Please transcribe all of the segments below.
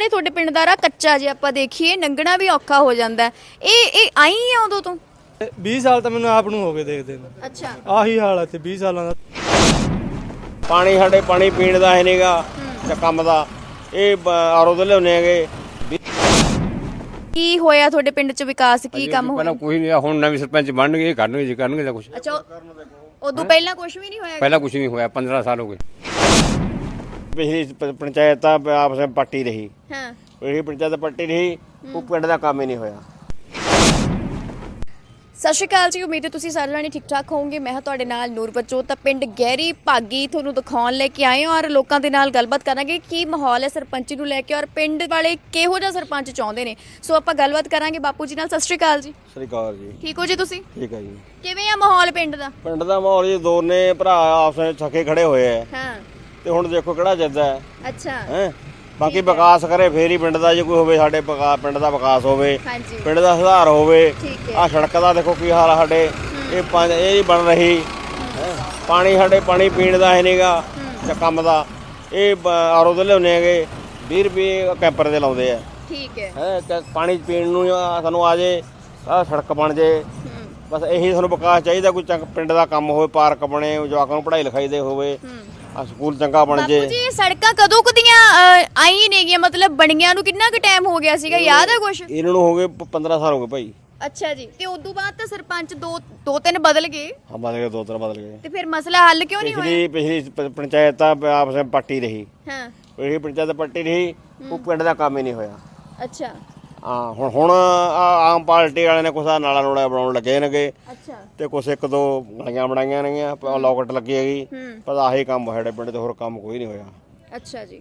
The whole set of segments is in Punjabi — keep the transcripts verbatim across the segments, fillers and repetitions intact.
ਸਾਰੇ ਤੁਹਾਡੇ ਪਿੰਡ ਦਾ ਰਾਹ ਕੱਚਾ ਜੇ ਆਪਾਂ ਦੇਖੀਏ ਲੰਘਣਾ ਵੀ ਔਖਾ ਹੋ ਜਾਂਦਾ ਇਹ ਇਹ ਆਈ ਹੈ ਉਦੋਂ ਤੋਂ बीस साल तो मैंने आप हो गए देखते ਅੱਛਾ आही हाल है बीस साल ਪਾਣੀ ਸਾਡੇ ਪਾਣੀ ਪੀਣ ਦਾ ਹੈ ਨਹੀਂਗਾ ਜਾਂ ਕੰਮ ਦਾ ਇਹ ਆਰੋ ਤੋਂ ਲਿਆਉਂਦੇ ਹੈਗੇ। ਕੀ ਹੋਇਆ ਤੁਹਾਡੇ ਪਿੰਡ 'ਚ ਵਿਕਾਸ ਕੀ ਕੰਮ ਹੋਇਆ ਪਹਿਲਾਂ ਕੋਈ ਨਹੀਂ ਹੁਣ ਨਵੇਂ ਸਰਪੰਚ ਬਣਨਗੇ ਇਹ ਕਰਨਗੇ ਜੀ ਕਰਨਗੇ ਜਾਂ ਕੁਛ ਅੱਛਾ ਉਦੋਂ ਪਹਿਲਾਂ ਕੁਝ ਵੀ ਨਹੀਂ ਹੋਇਆ ਪਹਿਲਾਂ ਕੁਛ ਨਹੀਂ ਹੋਇਆ पंद्रह साल हो गए। ਪਿਛਲੀ ਪ- ਪੰਚਾਇਤ ਤਾਂ ਆਪਸ ਵਿੱਚ ਪੱਟੀ ਰਹੀ, ਹਾਂ ਇਹ ਪੰਚਾਇਤ ਪੱਟੀ ਰਹੀ, ਉਹ ਪਿੰਡ ਦਾ ਕੰਮ ਹੀ ਨਹੀਂ ਹੋਇਆ। ਸਤਿ ਸ਼੍ਰੀ ਅਕਾਲ ਜੀ, ਉਮੀਦ ਹੈ ਤੁਸੀਂ ਸਾਰੇ ਜਾਣੇ ਠੀਕ ਠਾਕ ਹੋਵੋਗੇ। ਮੈਂ ਹਾਂ ਤੁਹਾਡੇ ਨਾਲ ਨੂਰ ਬੱਚੋ ਤਾਂ ਪਿੰਡ ਗਹਿਰੀ ਭਾਗੀ ਤੁਹਾਨੂੰ ਦਿਖਾਉਣ ਲੈ ਕੇ ਆਏ ਹਾਂ ਔਰ ਲੋਕਾਂ ਦੇ ਨਾਲ ਗੱਲਬਾਤ ਕਰਾਂਗੇ ਕੀ ਮਾਹੌਲ ਹੈ ਸਰਪੰਚੀ ਨੂੰ ਲੈ ਕੇ ਔਰ ਪਿੰਡ ਵਾਲੇ ਕਿਹੋ ਜਿਹਾ ਸਰਪੰਚ ਚਾਹੁੰਦੇ ਨੇ। ਸੋ ਆਪਾਂ ਗੱਲਬਾਤ ਕਰਾਂਗੇ ਬਾਪੂ ਜੀ ਨਾਲ। ਸਤਿ ਸ਼੍ਰੀ ਅਕਾਲ ਜੀ। ਸਤਿ ਸ਼੍ਰੀ ਅਕਾਲ ਜੀ। ਠੀਕ ਹੋ ਜੀ ਤੁਸੀਂ? ਠੀਕ ਹੈ ਜੀ। ਕਿਵੇਂ ਆ ਮਾਹੌਲ ਪਿੰਡ ਦਾ? ਪਿੰਡ ਦਾ ਮਾਹੌਲ ਜੀ ਦੋਨੇ ਭਰਾ ਆਪਸ ਵਿੱਚ ਥੱਕੇ ਖੜੇ ਹੋਏ ਆ ਹਾਂ ਤੇ ਹੁਣ ਦੇਖੋ ਕਿਹੜਾ ਜਿੱਤਦਾ ਹੈ ਅੱਛਾ ਹੈ। ਬਾਕੀ ਵਿਕਾਸ ਕਰੇ ਫੇਰ ਹੀ ਪਿੰਡ ਦਾ ਜੇ ਕੋਈ ਹੋਵੇ, ਸਾਡੇ ਵਿਕਾ- ਪਿੰਡ ਦਾ ਵਿਕਾਸ ਹੋਵੇ, ਹਾਂਜੀ ਪਿੰਡ ਦਾ ਸੁਧਾਰ ਹੋਵੇ। ਠੀਕ ਹੈ ਆ ਸੜਕ ਦਾ ਦੇਖੋ ਕੀ ਹਾਲ ਆ ਸਾਡੇ, ਇਹ ਪੰਜ ਇਹ ਨਹੀਂ ਬਣ ਰਹੀ ਹੈਂ। ਪਾਣੀ ਸਾਡੇ ਪਾਣੀ ਪੀਣ ਦਾ ਹੈ ਨਹੀਂਗਾ ਜਾਂ ਕੰਮ ਦਾ ਇਹ ਆਰੋ ਤੋਂ ਲਿਆਉਂਦੇ ਹੈਗੇ, ਵੀਹ ਰੁਪਏ ਕੈਂਪਰ ਦੇ ਲਾਉਂਦੇ ਆ ਠੀਕ ਹੈ ਹੈ ਤੇ ਪਾਣੀ ਪੀਣ ਨੂੰ ਆ ਸਾਨੂੰ ਆ ਜੇ, ਆ ਸੜਕ ਬਣ ਜੇ, ਬਸ ਇਹੀ ਸਾਨੂੰ ਵਿਕਾਸ ਚਾਹੀਦਾ। ਕੋਈ ਚੰਗ ਪਿੰਡ ਦਾ ਕੰਮ ਹੋਵੇ, ਪਾਰਕ ਬਣੇ, ਜਵਾਕਾਂ ਨੂੰ ਪੜ੍ਹਾਈ ਲਿਖਾਈ ਦੇ ਹੋਵੇ, ਆ ਸਕੂਲ ਚੰਗਾ ਬਣ ਜੇ। ਬਾਪੂ ਜੀ ਇਹ ਸੜਕਾਂ ਕਦੋਂ ਕਦੀਆਂ ਆਈ ਨੇਗੀਆਂ, ਮਤਲਬ ਬਣੀਆਂ ਨੂੰ ਕਿੰਨਾ ਕੁ ਟਾਈਮ ਹੋ ਗਿਆ ਸੀਗਾ, ਯਾਦ ਹੈ ਕੁਛ? ਇਹਨਾਂ ਨੂੰ ਹੋ ਗਏ ਪੰਦਰਾਂ ਸਾਲ ਹੋ ਗਏ ਭਾਈ। ਅੱਛਾ ਜੀ, ਤੇ ਉਦੋਂ ਬਾਅਦ ਤਾਂ ਸਰਪੰਚ ਦੋ ਦੋ ਤਿੰਨ ਬਦਲ ਗਏ ਹਾਂ ਬਦਲ ਗਏ, ਦੋ ਤਿੰਨ ਬਦਲ ਗਏ। ਤੇ ਫਿਰ ਮਸਲਾ ਹੱਲ ਕਿਉਂ ਨਹੀਂ ਹੋਇਆ? ਪਿਛਲੀ ਪਿਛਲੀ ਪ- ਪੰਚਾਇਤ ਤਾਂ ਆਪਸ ਵਿੱਚ ਪੱਟੀ ਰਹੀ, ਹਾਂ ਇਹ ਪੰਚਾਇਤ ਪੱਟੀ ਰਹੀ, ਉਹ ਪਿੰਡ ਦਾ ਕੰਮ ਹੀ ਨਹੀਂ ਹੋਇਆ। ਅੱਛਾ ਹਾਂ ਹੁਣ ਹੁਣ ਆਹ ਆਮ ਪਾਰਟੀ ਵਾਲਿਆਂ ਨੇ ਕੁਛ ਆਹ ਨਾਲਾ ਨੂਲਾ ਬਣਾਉਣ ਲੱਗੇ ਨੇਗੇ ਅੱਛਾ ਤੇ ਕੁਛ ਇੱਕ ਦੋ ਗਲੀਆਂ ਬਣਾਈਆਂ ਨੇਗੀਆਂ, ਲੋਕਟ ਲੱਗੀ ਹੈਗੀ, ਹੂੰ ਪਰ ਆਹੀ ਕੰਮ ਸਾਡੇ ਪਿੰਡ ਤੇ ਹੋਰ ਕੰਮ ਕੋਈ ਨਹੀਂ ਹੋਇਆ। ਅੱਛਾ ਜੀ।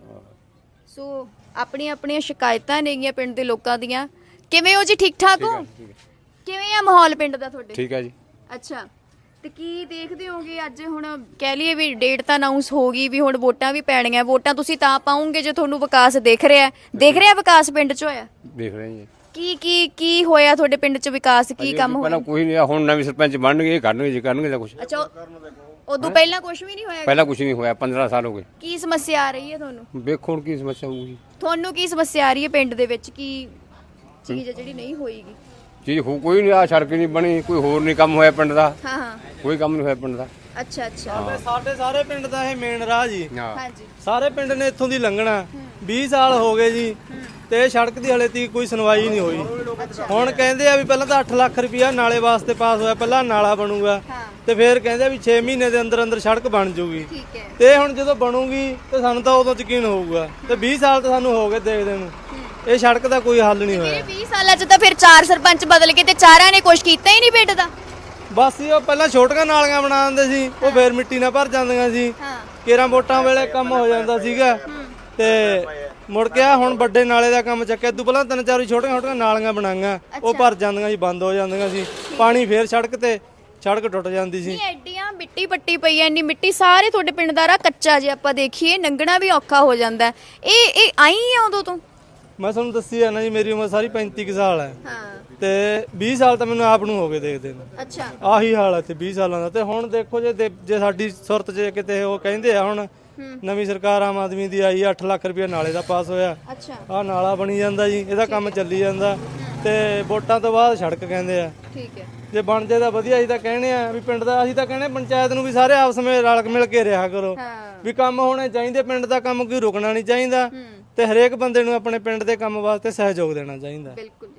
ਸੋ ਆਪਣੀਆਂ ਆਪਣੀਆਂ ਸ਼ਿਕਾਇਤਾਂ ਨੇਗੀਆਂ ਪਿੰਡ ਦੇ ਲੋਕਾਂ ਦੀਆਂ। ਕਿਵੇਂ ਹੋ ਜੀ, ਠੀਕ ਠਾਕ ਹੋ? ਕਿਵੇਂ ਆ ਮਾਹੌਲ ਪਿੰਡ ਦਾ ਤੁਹਾਡੇ? ਠੀਕ ਹੈ ਜੀ। ਅੱਛਾ ਤੇ ਕੀ ਦੇਖਦੇ ਹੋਗੇ ਅੱਜ ਹੁਣ ਕਹਿ ਲਈਏ ਵੀ ਡੇਟ ਤਾਂ ਅਨਾਉਂਸ ਹੋ ਗਈ ਵੀ ਹੁਣ ਵੋਟਾਂ ਵੀ ਪੈਣੀਆਂ। ਵੋਟਾਂ ਤੁਸੀਂ ਤਾਂ ਪਾਉਂਗੇ ਜੇ ਤੁਹਾਨੂੰ ਵਿਕਾਸ ਦਿਖ ਰਿਹਾ ਦਿਖ ਰਿਹਾ ਵਿਕਾਸ ਪਿੰਡ 'ਚ ਹੋਇਆ। ਦੇਖ ਰਹੇ ਜੀ ਕੀ ਕੀ ਕੀ ਹੋਇਆ ਤੁਹਾਡੇ ਪਿੰਡ 'ਚ ਵਿਕਾਸ ਕੀ ਕੰਮ ਹੋਇਆ? ਪਹਿਲਾਂ ਕੋਈ ਨਹੀਂ ਹੁਣ ਨਵੇਂ ਸਰਪੰਚ ਬਣਨਗੇ ਇਹ ਕਰਨਗੇ ਜੀ ਕਰਨਗੇ ਜਾਂ ਕੁਛ ਅੱਛਾ ਉਦੋਂ ਪਹਿਲਾਂ ਕੁਝ ਵੀ ਨਹੀਂ ਹੋਇਆ? ਪਹਿਲਾਂ ਕੁਛ ਨਹੀਂ ਹੋਇਆ पंद्रह साल हो गए। ਕੀ ਸਮੱਸਿਆ ਆ ਰਹੀ ਹੈ ਤੁਹਾਨੂੰ? ਵੇਖੋ ਹੁਣ ਕੀ ਸਮੱਸਿਆ ਹੋਊਗੀ। ਤੁਹਾਨੂੰ ਕੀ ਸਮੱਸਿਆ ਆ ਰਹੀ ਹੈ ਪਿੰਡ ਦੇ ਵਿੱਚ? ਕੀ ਚੀਜ਼ ਹੈ ਜਿਹੜੀ ਨਹੀਂ ਹੋਏਗੀ? ਚੀਜ਼ ਹੋ ਕੋਈ ਨਹੀਂ, ਆ ਸੜਕ ਨਹੀਂ ਬਣੀ, ਕੋਈ ਹੋਰ ਨਹੀਂ ਕੰਮ ਹੋਇਆ ਪਿੰਡ ਦਾ, ਹਾਂ ਹਾਂ ਕੋਈ ਕੰਮ ਨਹੀਂ ਹੋਇਆ ਪਿੰਡ ਦਾ। ਅੱਛਾ ਅੱਛਾ ਸਾਡੇ ਸਾਰੇ ਪਿੰਡ ਦਾ ਇਹ ਮੇਨ ਰਾਹ ਜੀ, ਹਾਂ ਹਾਂਜੀ ਸਾਰੇ ਪਿੰਡ ਨੇ ਇੱਥੋਂ ਦੀ ਲੰਘਣਾ। बीस साल ਹੋ ਗਏ ਜੀ ਤੇ ਇਹ ਸੜਕ ਦੀ ਹਲੇ ਤੱਕ ਕੋਈ ਸੁਣਵਾਈ ਨਹੀਂ ਹੋਈ। ਹੁਣ ਕਹਿੰਦੇ ਆ ਵੀ ਪਹਿਲਾਂ ਤਾਂ ਅੱਠ ਲੱਖ ਰੁਪਇਆ ਨਾਲੇ ਵਾਸਤੇ ਪਾਸ ਹੋਇਆ, ਪਹਿਲਾਂ ਨਾਲਾ ਬਣੂਗਾ ਹਾਂ ਤੇ ਫਿਰ ਕਹਿੰਦੇ ਆ ਵੀ ਛੇ ਮਹੀਨੇ ਦੇ ਅੰਦਰ ਅੰਦਰ ਸੜਕ ਬਣ ਜੂਗੀ। ਠੀਕ ਹੈ ਤੇ ਹੁਣ ਜਦੋਂ ਬਣੂਗੀ ਤੇ ਸਾਨੂੰ ਤਾਂ ਉਦੋਂ ਯਕੀਨ ਹੋਊਗਾ। ਤੇ बीस ਸਾਲ ਤਾਂ ਸਾਨੂੰ ਹੋ ਗਏ ਦੇਖਦੇ ਨੂੰ, ਇਹ ਸੜਕ ਦਾ ਕੋਈ ਹੱਲ ਨਹੀਂ ਹੋਇਆ। ਇਹ ਵੀਹ ਸਾਲਾਂ 'ਚ ਤਾਂ ਫਿਰ ਚਾਰ ਸਰਪੰਚ ਬਦਲ ਕੇ ਤੇ ਚਾਰਾਂ ਨੇ ਕੁਝ ਕੀਤਾ ਹੀ ਨਹੀਂ ਪਿੰਡ ਦਾ। ਬਸ ਜੀ ਉਹ ਪਹਿਲਾਂ ਛੋਟੀਆਂ ਨਾਲੀਆਂ ਬਣਾ ਦਿੰਦੇ ਸੀ, ਉਹ ਫੇਰ ਮਿੱਟੀ ਨਾਲ ਭਰ ਜਾਂਦੀਆਂ ਸੀ। ਹਾਂ ਕੇਰਾਂ ਵੋਟਾਂ ਵੇਲੇ ਕੰਮ ਹੋ ਜਾਂਦਾ ਸੀਗਾ ਤੇ ਮੁੜ ਕੇ ਆ ਹੁਣ ਵੱਡੇ ਨਾਲੇ ਦਾ ਕੰਮ ਚੱਕਿਆ। ਤੂੰ ਪਹਿਲਾਂ ਤਿੰਨ ਚਾਰ ਛੋਟੀਆਂ ਛੋਟੀਆਂ ਨਾਲੀਆਂ ਬਣਾਈਆਂ, ਉਹ ਭਰ ਜਾਂਦੀਆਂ ਸੀ, ਬੰਦ ਹੋ ਜਾਂਦੀਆਂ ਸੀ। ਪਾਣੀ ਫੇਰ ਸੜਕ ਤੇ ਸੜਕ ਟੁੱਟ ਜਾਂਦੀ ਸੀ। ਨਹੀਂ ਐਡੀਆਂ ਮਿੱਟੀ ਪੱਟੀ ਪਈ ਐ, ਇੰਨੀ ਮਿੱਟੀ ਸਾਰੇ ਤੁਹਾਡੇ ਪਿੰਡ ਦਾ ਰਾਹ ਕੱਚਾ ਜੇ ਆਪਾਂ ਦੇਖੀਏ ਲੰਘਣਾ ਵੀ ਔਖਾ ਹੋ ਜਾਂਦਾ ਇਹ ਇਹ ਆਈ ਹੈ ਉਦੋਂ ਤੋਂ? ਮੈਂ ਤੁਹਾਨੂੰ ਦੱਸੀ ਆ ਨਾ ਜੀ, ਮੇਰੀ ਉਮਰ ਸਾਰੀ ਪੈਂਤੀ ਕੁ ਸਾਲ ਹੈ ਹਾਂ ਤੇ बीस ਸਾਲ ਤਾਂ ਮੈਨੂੰ ਆਪ ਨੂੰ ਹੋ ਗਏ ਦੇਖਦੇ ਨੂੰ। ਅੱਛਾ ਆਹੀ ਹਾਲ ਹੈ ਤੇ बीस ਸਾਲਾਂ ਦਾ। ਤੇ ਹੁਣ ਦੇਖੋ ਜੇ ਦੇ- ਜੇ ਸਾਡੀ ਸੁਰਤ 'ਚ ਕਿਤੇ ਉਹ ਕਹਿੰਦੇ ਆ ਹੁਣ ਨਵੀਂ ਸਰਕਾਰ ਆਮ ਆਦਮੀ ਦੀ ਆਈ, ਅੱਠ ਲੱਖ ਰੁਪਇਆ ਨਾਲੇ ਦਾ ਪਾਸ ਹੋਇਆ, ਅੱਛਾ ਆਹ ਨਾਲਾ ਬਣੀ ਜਾਂਦਾ ਜੀ, ਇਹਦਾ ਕੰਮ ਚੱਲੀ ਜਾਂਦਾ। ਤੇ ਵੋਟਾਂ ਤੋਂ ਬਾਅਦ ਸੜਕ ਕਹਿੰਦੇ ਆ, ਠੀਕ ਹੈ ਜੇ ਬਣ ਜੇ ਤਾਂ ਵਧੀਆ। ਅਸੀਂ ਤਾਂ ਕਹਿੰਦੇ ਆ ਵੀ ਪਿੰਡ ਦਾ, ਅਸੀਂ ਤਾਂ ਕਹਿੰਦੇ ਪੰਚਾਇਤ ਨੂੰ ਵੀ ਸਾਰੇ ਆਪਸ ਵਿੱਚ ਰਲ ਮਿਲ ਕੇ ਰਿਹਾ ਕਰੋ, ਹਾਂ ਵੀ ਕੰਮ ਹੋਣੇ ਚਾਹੀਦੇ। ਪਿੰਡ ਦਾ ਕੰਮ ਕੋਈ ਰੁਕਣਾ ਨਹੀਂ ਚਾਹੀਦਾ ਤੇ ਹਰੇਕ ਬੰਦੇ ਨੂੰ ਆਪਣੇ ਪਿੰਡ ਦੇ ਕੰਮ ਵਾਸਤੇ ਸਹਿਯੋਗ ਦੇਣਾ ਚਾਹੀਦਾ। ਬਿਲਕੁਲ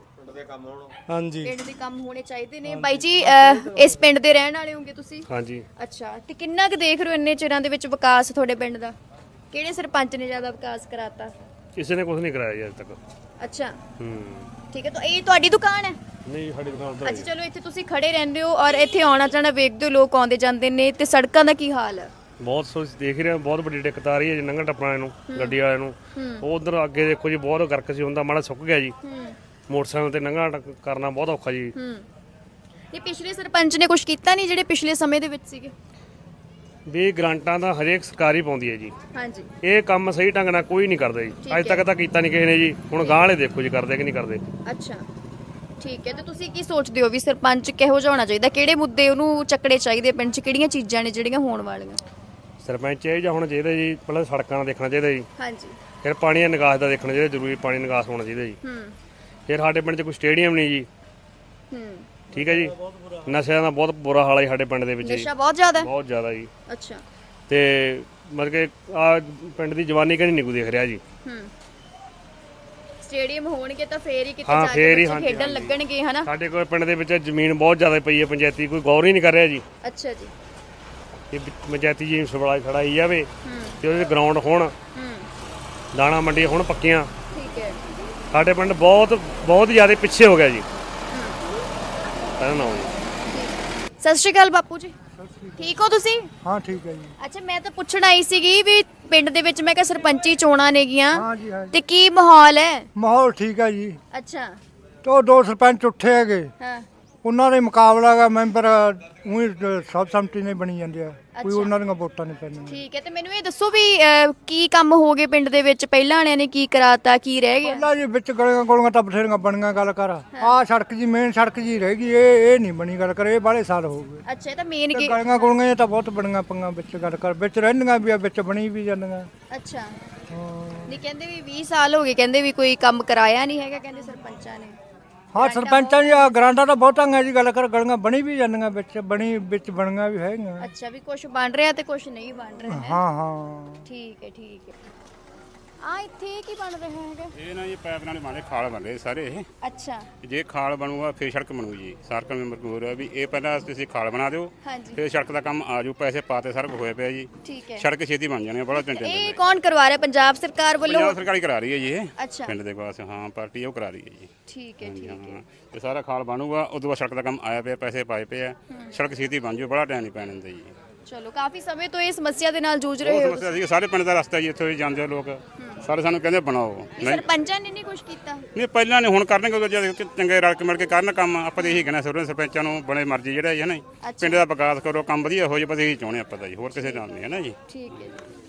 ਹਾਂਜੀ ਪਿੰਡ ਦੇ ਕੰਮ ਹੋਣੇ ਚਾਹੀਦੇ ਨੇ। ਬਾਈ ਜੀ ਅਹ, ਇਸ ਪਿੰਡ ਦੇ ਰਹਿਣ ਵਾਲੇ ਹੋਗੇ ਤੁਸੀਂ? ਹਾਂਜੀ ਅੱਛਾ ਤੇ ਕਿੰਨਾ ਕੁ ਦੇਖ ਰਹੇ ਹੋ ਇੰਨੇ ਚਿਰਾਂ ਦੇ ਵਿੱਚ ਵਿਕਾਸ ਤੁਹਾਡੇ ਪਿੰਡ ਦਾ? ਕਿਹੜੇ ਸਰਪੰਚ ਨੇ ਜ਼ਿਆਦਾ ਵਿਕਾਸ ਕਰਾਤਾ? ਕਿਸੇ ਨੇ ਕੁਝ ਨਹੀਂ ਕਰਾਇਆ ਜੀ ਅੱਜ ਤੱਕ। ਅੱਛਾ ਹੂੰ ਠੀਕ ਹੈ, ਤਾਂ ਇਹ ਤੁਹਾਡੀ ਦੁਕਾਨ ਹੈ? ਨਹੀਂ ਸਾਡੀ ਦੁਕਾਨ ਅੱਛਾ ਚਲੋ, ਇੱਥੇ ਤੁਸੀਂ ਖੜੇ ਰਹਿੰਦੇ ਹੋ ਔਰ ਇੱਥੇ ਆਉਣਾ ਜਾਣਾ ਵੇਖਦੇ ਹੋ, ਲੋਕ ਆਉਂਦੇ ਜਾਂਦੇ ਨੇ, ਤੇ ਸੜਕਾਂ ਦਾ ਕੀ ਹਾਲ ਹੈ? ਬਹੁਤ ਸੋਚ ਦੇਖ ਰਹੇ ਹਾਂ, ਬਹੁਤ ਵੱਡੀ ਦਿੱਕਤ ਆ ਰਹੀ ਹੈ ਜੀ ਲੰਘਣ ਟੱਪਣ ਵਾਲੇ ਨੂੰ, ਗੱਡੀ ਵਾਲਿਆਂ ਨੂੰ। ਉਹ ਉਧਰ ਅੱਗੇ ਦੇਖੋ ਜੀ, ਬਹੁਤ ਗਰਕ ਸੀ ਹੁੰਦਾ, ਮਾੜਾ ਸੁੱਕ ਗਿਆ ਜੀ। ਮੋਟਰਸਾਈਕਲ ਤੇ ਲੰਘਣਾ ਟੱਕ- ਕਰਨਾ ਬਹੁਤ ਔਖਾ ਜੀ। ਹੂੰ ਇਹ ਪਿਛਲੇ ਸਰਪੰਚ ਨੇ ਕੁਝ ਕੀਤਾ ਨਹੀਂ ਜਿਹੜੇ ਪਿਛਲੇ ਸਮੇਂ ਦੇ ਵਿੱਚ ਸੀਗੇ? ਵੀ ਗ੍ਰਾਂਟਾਂ ਦਾ ਹਰੇਕ ਸਰਕਾਰੀ ਪਾਉਂਦੀ ਹੈ ਜੀ, ਹਾਂਜੀ ਇਹ ਕੰਮ ਸਹੀ ਢੰਗ ਨਾਲ ਕੋਈ ਨਹੀਂ ਕਰਦਾ ਜੀ। ਅੱਜ ਤੱਕ ਤਾਂ ਕੀਤਾ ਨਹੀਂ ਕਿਸੇ ਨੇ ਜੀ। ਹੁਣ ਗਾਂਹ ਵਾਲੇ ਦੇਖੋ ਜੀ ਕਰਦੇ ਕਿ ਨਹੀਂ ਕਰਦੇ। ਅੱਛਾ ਠੀਕ ਹੈ, ਤੇ ਤੁਸੀਂ ਕੀ ਸੋਚਦੇ ਹੋ ਵੀ ਸਰਪੰਚ ਕਿਹੋ ਜਿਹਾ ਹੋਣਾ ਚਾਹੀਦਾ? ਕਿਹੜੇ ਮੁੱਦੇ ਉਹਨੂੰ ਚੱਕਣੇ ਚਾਹੀਦੇ ਪਿੰਡ 'ਚ? ਕਿਹੜੀਆਂ ਚੀਜ਼ਾਂ ਨੇ ਜਿਹੜੀਆਂ ਹੋਣ ਵਾਲੀਆਂ? ਸਰਪੰਚ ਇਹ ਜਾਂ ਹੁਣ ਚਾਹੀਦਾ ਜੀ, ਪਹਿਲਾਂ ਸੜਕਾਂ ਦਾ ਦੇਖਣਾ ਚਾਹੀਦਾ ਜੀ। ਹਾਂਜੀ ਫਿਰ ਪਾਣੀ ਦਾ ਨਿਕਾਸ ਦਾ ਦੇਖਣਾ ਚਾਹੀਦਾ, ਜ਼ਰੂਰੀ ਪਾਣੀ ਨਿਕਾਸ ਹੋਣਾ ਚਾਹੀਦਾ ਜੀ। ਹੂੰ ਫਿਰ ਸਾਡੇ ਪਿੰਡ 'ਚ ਕੋਈ ਸਟੇਡੀਅਮ ਨਹੀਂ ਜੀ। ਹੂੰ ਠੀਕ ਹੈ ਜੀ। ਨਸ਼ਿਆਂ ਦਾ ਬਹੁਤ ਬੁਰਾ ਹਾਲ ਹੈ ਜੀ ਸਾਡੇ ਪਿੰਡ ਦੇ ਵਿੱਚ ਜੀ, ਨਸ਼ਾ ਬਹੁਤ ਜ਼ਿਆਦਾ ਹੈ। ਬਹੁਤ ਜ਼ਿਆਦਾ ਜੀ। ਅੱਛਾ। ਤੇ ਮਤਲਬ ਕਿ ਆ ਪਿੰਡ ਦੀ ਜਵਾਨੀ ਕਦੀ ਨਹੀਂ ਕੋਈ ਦੇਖ ਰਿਹਾ ਜੀ। ਹੂੰ ਸਟੇਡੀਅਮ ਹੋਣਗੇ ਤਾਂ ਫੇਰ ਹੀ ਕਿਤੇ ਹਾਂ, ਜਾ ਫੇਰ ਕੇ ਹੀ, ਬੱਚੇ ਹਾਂਜੀ, ਖੇਡਣ ਹਾਂਜੀ। ਲੱਗਣਗੇ ਹਨਾ। ਸਾਡੇ ਕੋਲ ਪਿੰਡ ਦੇ ਵਿੱਚ ਜ਼ਮੀਨ ਬਹੁਤ ਜ਼ਿਆਦਾ ਪਈ ਹੈ ਪੰਚਾਇਤੀ, ਕੋਈ ਗੌਰ ਹੀ ਨਹੀਂ ਕਰ ਰਿਹਾ ਜੀ। ਅੱਛਾ ਜੀ। ਇਹ ਪੰਚਾਇਤੀ ਜੀ ਸਬਲਾਈ ਖੜਾਈ ਜਾਵੇ ਹੂੰ ਤੇ ਉਹਦੇ ਗਰਾਊਂਡ ਹੋਣ, ਹੂੰ ਦਾਣਾ ਮੰਡੀ ਹੁਣ ਪੱਕੀਆਂ। ਠੀਕ ਹੈ। ਸਾਡੇ ਪਿੰਡ ਬਹੁਤ ਬਹੁਤ ਜ਼ਿਆਦਾ ਪਿੱਛੇ ਹੋ ਗਿਆ ਜੀ। ਪਹਿਲਾਂ ਨਾ ਜੀ। ਸਤਿ ਸ਼੍ਰੀ ਅਕਾਲ ਬਾਪੂ ਜੀ, ਠੀਕ ਹੋ ਤੁਸੀਂ? ਹਾਂ ਠੀਕ ਹੈ ਜੀ। ਅੱਛਾ, ਮੈਂ ਤਾਂ ਪੁੱਛਣ ਆਈ ਸੀਗੀ ਵੀ ਪਿੰਡ ਦੇ ਵਿੱਚ ਮੈਂ ਕਿਹਾ ਸਰਪੰਚੀ ਚੋਣਾਂ ਨੇਗੀਆਂ ਹਾਂ ਜੀ ਹਾਂ ਜੀ। ਤੇ ਕੀ ਮਾਹੌਲ ਹੈ? ਮਾਹੌਲ ਠੀਕ ਹੈ ਜੀ। ਅੱਛਾ। ਤੇ ਉਹ ਦੋ ਸਰਪੰਚ ਉੱਠੇ ਹੈਗੇ, ਹਾਂ। ਉਹਨਾਂ ਦੇ ਮੁਕਾਬਲਾ ਹੈਗਾ ਮੈਂਬਰ ਉਹੀ ਸਬ ਸੰਮਤੀ ਨੇ ਬਣੀ ਜਾਂਦੇ ਆ, ਕੋਈ ਅੱਛਾ। ਉਹਨਾਂ ਦੀਆਂ ਵੋਟਾਂ ਨਹੀਂ ਪੈਣੀਆਂ। ਠੀਕ ਹੈ, ਤੇ ਮੈਨੂੰ ਇਹ ਦੱਸੋ ਵੀ ਅਹ, ਕੀ ਕੰਮ ਹੋ ਗਏ ਪਿੰਡ ਦੇ ਵਿੱਚ? ਪਹਿਲਾਂ ਵਾਲਿਆਂ ਨੇ ਕੀ ਕਰਾਤਾ, ਕੀ ਰਹਿ ਗਿਆ? ਪਹਿਲਾਂ ਜੀ ਵਿੱਚ ਗਲੀਆਂ ਗੋਲੀਆਂ ਤਾਂ ਬਥੇਰੀਆਂ ਬਣੀਆਂ, ਗੱਲ ਕਰ ਆਹ ਸੜਕ ਜੀ ਮੇਨ ਸੜਕ ਜੀ ਰਹਿ ਗਈ, ਇਹ ਇਹ ਨਹੀਂ ਬਣੀ, ਗੱਲ ਕਰ ਇਹ ਬਾਹਲੇ ਸਾਲ ਹੋ ਗਏ। ਅੱਛਾ, ਇਹ ਤਾਂ ਮੇਨ ਤੇ ਗੇ। ਗਲੀਆਂ ਗੋਲੀਆਂ ਤਾਂ ਬਹੁਤ ਬਣੀਆਂ ਪੰਗਾ ਵਿੱਚ, ਗੱਲ ਕਰ ਵਿੱਚ ਰਹਿੰਦੀਆਂ ਵੀ ਆ, ਵਿੱਚ ਬਣੀ ਵੀ ਜਾਂਦੀਆਂ। ਅੱਛਾ। ਹਾਂ ਨਹੀਂ, ਕਹਿੰਦੇ ਵੀ ਵੀਹ ਸਾਲ ਹੋ ਗਏ, ਕਹਿੰਦੇ ਵੀ ਕੋਈ ਕੰਮ ਕਰਾਇਆ ਨਹੀਂ ਹੈਗਾ, ਕਹਿੰਦੇ ਸਰਪੰਚਾਂ ਨੇ। ਹਾਂ ਸਰਪੰਚਾਂ ਦੀ ਆ ਗਰਾਂਟਾਂ ਤਾਂ ਬਹੁਤਾਂ ਹੈ ਜੀ, ਗੱਲ ਕਰ ਗਲੀਆਂ ਬਣੀ ਵੀ ਜਾਂਦੀਆਂ, ਵਿੱਚ ਬਣੀ ਵਿੱਚ ਬਣੀਆਂ ਵੀ ਹੈਗੀਆਂ। ਅੱਛਾ, ਵੀ ਕੁਝ ਬਣ ਰਿਹਾ ਤੇ ਕੁਝ ਨਹੀਂ ਬਣ ਰਿਹਾ ਹੈ। ਹਾਂ ਹਾਂ ਠੀਕ ਹੈ, ਠੀਕ ਹੈ। ਆ ਇੱਥੇ ਕੀ ਬਣ ਰਿਹਾ ਹੈਗਾ? ਇਹ ਨਾ ਜੀ ਪਾਈਪ ਨਾਲ ਬਣੇ ਖਾਲ ਬਣ ਰਹੇ ਸਾਰੇ ਇਹ। ਅੱਛਾ। ਜੇ ਖਾਲ ਬਣੂਗਾ ਫਿਰ ਸੜਕ ਬਣੂ ਜੀ। ਸਰਕਲ ਮੈਂਬਰ ਕੋਲ ਹੋ ਰਿਹਾ ਵੀ ਇਹ ਪਹਿਲਾਂ ਤੁਸੀਂ ਖਾਲ ਬਣਾ ਦਿਓ, ਹਾਂਜੀ। ਫਿਰ ਸੜਕ ਦਾ ਕੰਮ ਆ ਜਾਊ, ਪੈਸੇ ਪਾਤੇ ਸਾਰਾ ਕੁਝ ਹੋਇਆ ਪਿਆ ਜੀ। ਠੀਕ ਹੈ। ਸੜਕ ਛੇਤੀ ਬਣ ਜਾਣੀ, ਬੜਾ ਟੈਂਸ਼ਨ ਇਹ ਲੈਂਦੇ। ਕੌਣ ਕਰਵਾ ਰਿਹਾ? ਪੰਜਾਬ ਸਰਕਾਰ ਵੱਲੋਂ? ਪੰਜਾਬ ਸਰਕਾਰ ਹੀ ਕਰਾ ਰਹੀ ਹੈ ਜੀ ਇਹ ਅੱਛਾ। ਪਿੰਡ ਦੇ ਪਾਸ, ਹਾਂ ਪਾਰਟੀ ਉਹ ਕਰਾ ਰਹੀ ਹੈ ਜੀ। ਠੀਕ ਹੈ, ਠੀਕ ਹੈ। ਹਾਂ ਤੇ ਸਾਰਾ ਖਾਲ ਬਣੂਗਾ, ਉਦੋਂ ਬਾਅਦ ਸੜਕ ਦਾ ਕੰਮ ਆਇਆ ਪਿਆ, ਪੈਸੇ ਪਾਏ ਪਏ ਆ, ਸੜਕ ਛੇਤੀ ਬਣ ਜਾਊ, ਬੜਾ ਟਾਈਮ ਨਹੀਂ ਪੈਣ ਦਿੰਦੇ ਜੀ। ਚਲੋ, ਕਾਫੀ ਸਮੇਂ ਤੋਂ ਇਹ ਸਮੱਸਿਆ ਦੇ ਨਾਲ ਜੂਝ ਬਹੁਤ ਰਹੇ ਹੋ। ਸਮੱਸਿਆ ਸੀ, ਸਾਰੇ ਪਿੰਡ ਦਾ ਰਸਤਾ ਜੀ, ਇੱਥੋਂ ਹੀ ਜਾਂਦੇ ਆ ਲੋਕ, ਸਾਰੇ ਸਾਨੂੰ ਕਹਿੰਦੇ ਬਣਾਓ। ਨਹੀਂ, ਸਰਪੰਚਾਂ ਨੇ ਨਹੀਂ ਕੁਝ ਕੀਤਾ? ਨਹੀਂ ਪਹਿਲਾਂ ਨਹੀਂ, ਹੁਣ ਕਰਨਗੇ ਜਦ ਚੰਗੇ ਰਲ ਕੇ ਮਿਲ ਕੇ ਕਰਨ ਕੰਮ। ਆਪਾਂ ਤਾਂ ਇਹੀ ਕਹਿਣਾ ਸਰਪੰਚ ਸਰਪੰਚਾਂ ਨੂੰ, ਬਣੇ ਮਰਜ਼ੀ ਜਿਹੜਾ ਹੈ ਨਾ ਜੀ, ਪਿੰਡ ਦਾ ਵਿਕਾਸ ਕਰੋ, ਕੰਮ ਵਧੀਆ ਹੋ ਜਾਏ, ਬਸ ਇਹੀ ਚਾਹੁੰਦੇ ਆਪਾਂ ਤਾਂ ਜੀ, ਹੋਰ ਕਿਸੇ ਨਾਲ ਨਹੀਂ ਹੈ ਨਾ ਜੀ। ਠੀਕ ਹੈ।